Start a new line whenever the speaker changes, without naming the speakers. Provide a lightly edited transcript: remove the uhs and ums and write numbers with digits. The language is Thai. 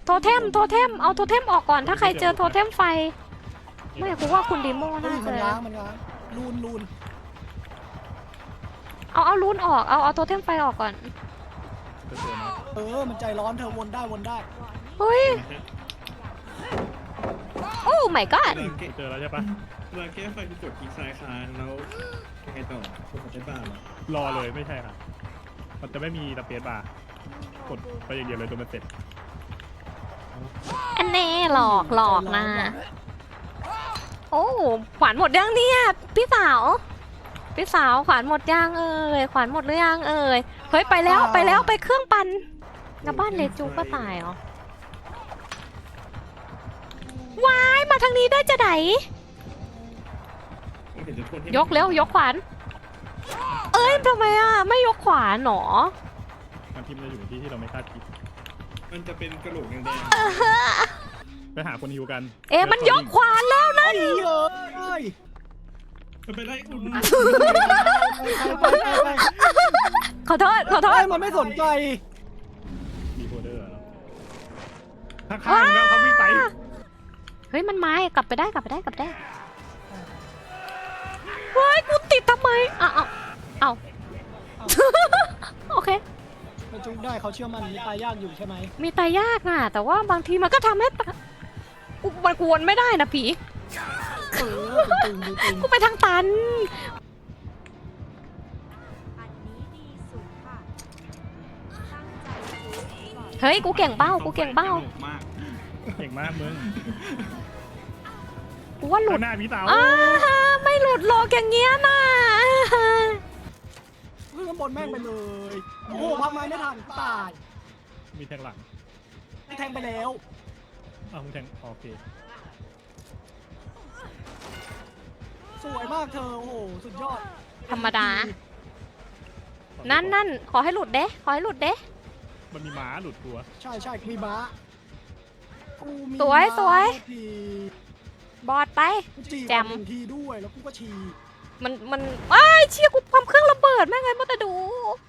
โทเทมเอาโทเทมออกก่อนถ้าใครเจอโทเทมไฟไม่กูว่าคุณดิโมน่า
มั
จะ
นล้างลูน
เอารูนออกเอาโทเทมไฟออกก่อน
จะเจอนะ
มันใจร้อนเธอวนได้
เฮ้ยโอ้ my god
เจอแล้วใช่ปะ
เราแก้ไฟที่กดคลิกซ้ายค้างแล้วยังไงต่อกดได้บ้างเหรอ
รอเลยไม่ใช่ค่ะมันจะไม่มีสเปซบาร์กดไปอย่างเดียวเลยจนมันเสร็จ
อันแน่หลอกนะโอ้ขวานหมดยังเนี่ยพี่สาวขวานหมดยังขวานหมดหรือยังเฮ้ยไปแล้วไปเครื่องปั่นแล้วบ้านเลจูก็ตายเหรอวายมาทางนี้ได้จะไหน
ไม่เห็นจะโทษให้
ยกเร็วยกขวานทำไมไม่ยกขวานหนอ
มันพิมพ์จะอยู่ในที่ที่เราไม่คาดคิด
มันจะเป็นกระโหลกแดง
ไปหาคนฮิวกัน
มันยกขวานแล้วนั่น
ๆมันไปไล่อุ่น
ไป
ขอโทษ
มันไม่สนใจ
มีโคเดอร์เหรอข้างๆแล้วเขาวิ่งไป
เฮ้ยมันไม้กลับไปได้เฮ้ยกูติดทำไมเอา โอเค
มันจุกได้เขาเชื่อมันมีตายยากอยู่ใช่ไหม
มีตายยากนะแต่ว่าบางทีมันก็ทำให้มันกวนไม่ได้นะผี
ตึง
กูไปทางตัน
อันนี้ดีสุดค่ะ ตั้งใจซื้อก่อน
เฮ้ยกูเก่งเบ้า
สงสัยสนุกมาก
เก่งมากมึง
กูว่าหลุด
ข้างหน้าพี่สาว
ไม่หลุดโลกอย่างเงี้ยนะ
ขึ้นข้างบนแม่งไปเลยโอ้พักไม้ไม่ทันตาย
มีแทงหลัง
แทงไปแล้ว
มึงแทงโอเค
สวยมากเธอโอ้โหสุดยอด
ธรรมดา นั่นขอให้หลุดเด้
มันมีม้าหลุดตัว
ใช่มีม้ากูมี
สวย
ที
บอดไป
จี
แจม
หนึ่งทีด้วยแล้วกูก็ฉี
มันเชี่ยกูความเครื่องระเบิดแม่งไงมาแต่ดู